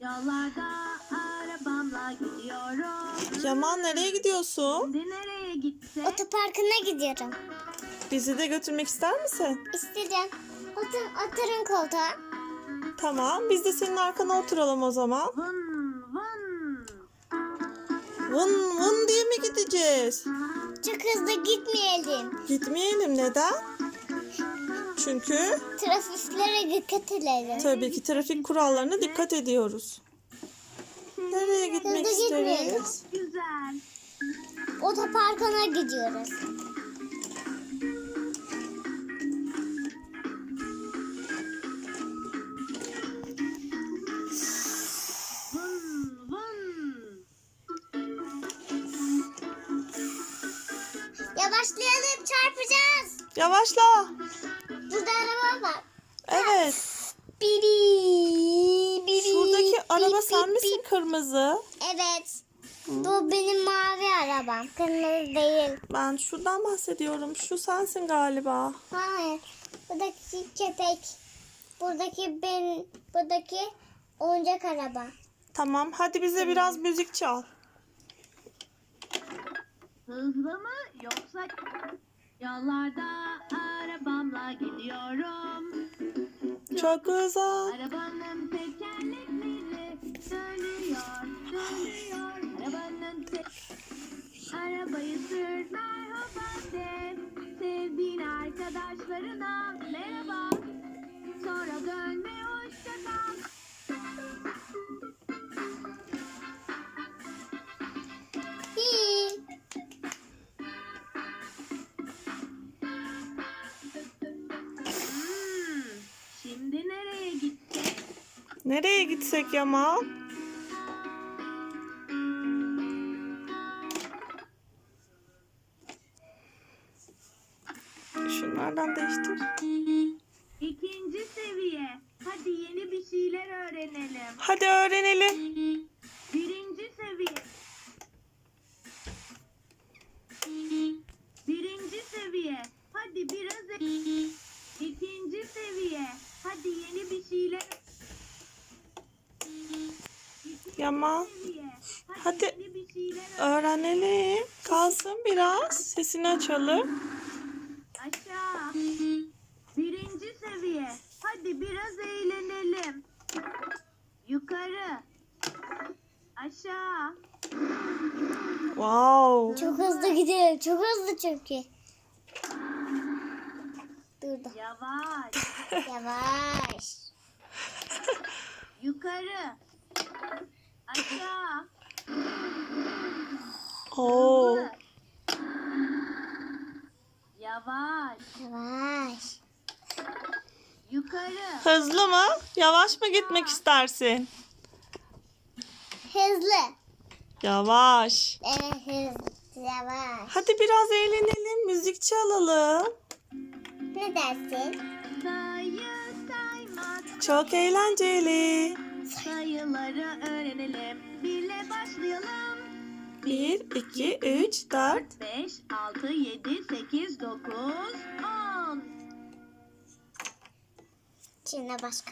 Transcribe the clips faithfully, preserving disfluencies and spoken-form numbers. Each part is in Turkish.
Yollarda arabamla gidiyorum. Yaman nereye gidiyorsun? Şimdi nereye gitsek? Otoparkına gidiyorum. Bizi de götürmek ister misin? İstedim. Otur, oturun koltuğa. Tamam, biz de senin arkana oturalım o zaman. Vın vın. Vın vın diye mi gideceğiz? Çok hızlı gitmeyelim. Gitmeyelim, neden? Çünkü Trafiklere dikkat edelim. tabii ki trafik kurallarına dikkat ediyoruz. Nereye gitmek Hızlı gitmeyelim. isteriz? Güzel. Otoparkına gidiyoruz. Vın vın. Yavaşlayalım, çarpacağız. Yavaşla. Burada araba var. Evet. Biri, biri. Şuradaki bip, araba bip, sen bip, misin, bip. kırmızı? Evet. Bu benim mavi arabam. Kırmızı değil. Ben şuradan bahsediyorum. Şu sensin galiba. Hayır. Buradaki köpek. Buradaki ben, buradaki oyuncak araba. Tamam, hadi bize biraz müzik çal. Hızlı mı yoksa? Yollarda arabamla gidiyorum. Çok güzel. Arabanın tekerlekleri dönüyor, dönüyor. Arabanın te Arabayı sür merhaba de. Sevdiğin arkadaşlarına merhaba. Sonra dön ve hoşça kal. Hi. Hmm, şimdi nereye gitsek? Nereye gitsek Yaman? Şunlardan değiştir. İkinci seviye. Hadi yeni bir şeyler öğrenelim. Hadi öğrenelim. Birinci seviye. Birinci seviye. Hadi biraz e- İkinci seviye. Hadi yeni bir şeyler. İkinci Yaman. seviye. Hadi, Hadi. yeni bir şeyler öğren. Öğrenelim. Kalsın biraz. Sesini açalım. Aşağı. Birinci seviye. Hadi biraz eğlenelim. Yukarı. Aşağı. Wow. Çok hızlı gidiyor. Çok hızlı çünkü. Durdu. Yavaş. Yavaş. Yukarı. Aşağı. Oo. Hızlı. Yavaş. Yavaş. Yukarı. Hızlı mı? Yavaş mı gitmek istersin? Hızlı. Yavaş. Evet hızlı. Yavaş. Hadi biraz eğlenelim. Müzik çalalım. Ne dersin? Sayı saymak. Çok eğlenceli. Sayıları öğrenelim. Birle başlayalım. Bir, iki, üç, dört. beş, altı, yedi, sekiz, dokuz, on. Şimdi başka.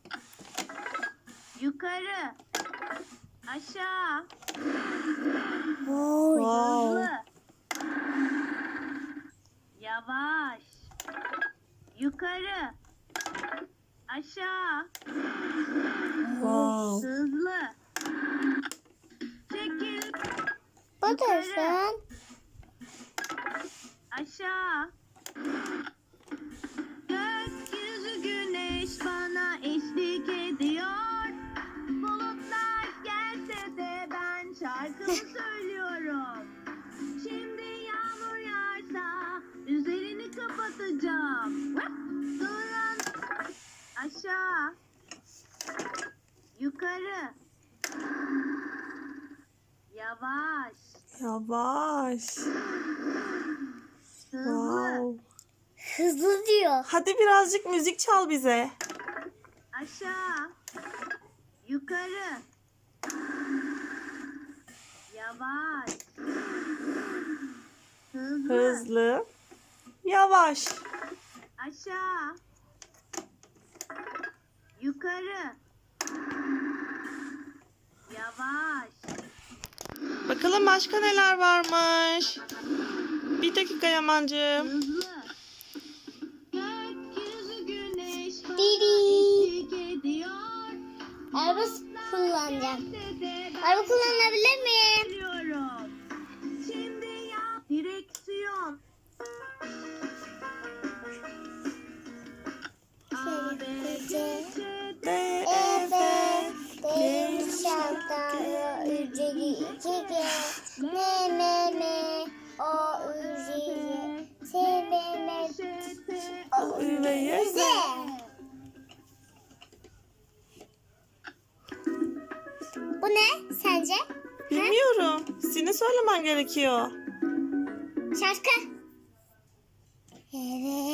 Yukarı. Aşağı. Oy. Wow. Hızlı. Yavaş. Yukarı. Aşağı. Wow. Hızlı. Çekil. Buradasın. Aşağı. Gökyüzü güneş bana eşlik ediyor. Bulutlar gelse de ben şarkımı söylüyorum. Şimdi yağmur yağarsa üzerini kapatacağım. Durun. Aşağı. Yukarı. Yavaş. Yavaş. Hızlı. Wow. Hızlı diyor. Hadi birazcık müzik çal bize. Aşağı. Yukarı. Yavaş. Hızlı. Hızlı. Yavaş. Aşağı. Yukarı. Bakalım başka neler varmış. Bir dakika Yamancığım. Hızlı. Gökyüzü güneş bana Diri. eşlik ediyor. Araba kullanacağım. Dede Araba kullanabilir miyim? Biliyorum. Şimdi yap. Direksiyon. A, B, C, C, D. D, Evet. E, Benim şarkıda ücreti iki G. Ne ne ne. O ücreti. Sevme. O, Ü ve Y, Z. Bu ne sence? Bilmiyorum. Senin söylemen gerekiyor. Şarkı. Evet.